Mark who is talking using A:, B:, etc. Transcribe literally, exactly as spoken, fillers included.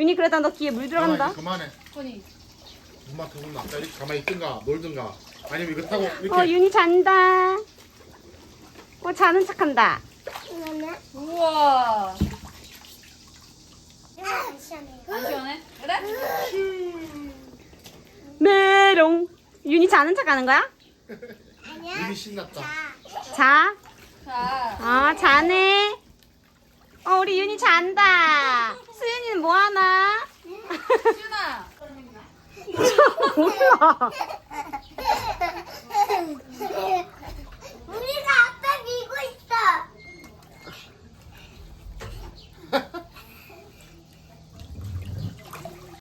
A: 윤희 그러다 너 귀에 물 들어간다.
B: 그만해.
C: 코니.
B: 엄마 그분 나 이렇게 가만히 있든가 놀든가 아니면 이거 타고 이렇게
A: 어 윤희 잔다. 어 자는 척한다.
C: 우와.
D: 안 시원해요.
C: 안 시원해? 그래?
A: 메롱. 윤희 자는 척하는 거야?
D: 아니야.
B: 입이 신났다.
A: 자.
C: 자.
A: 아 자네. 어 우리 윤희 잔다. 수윤이는 뭐 하나?
C: 수윤아.
A: 몰라.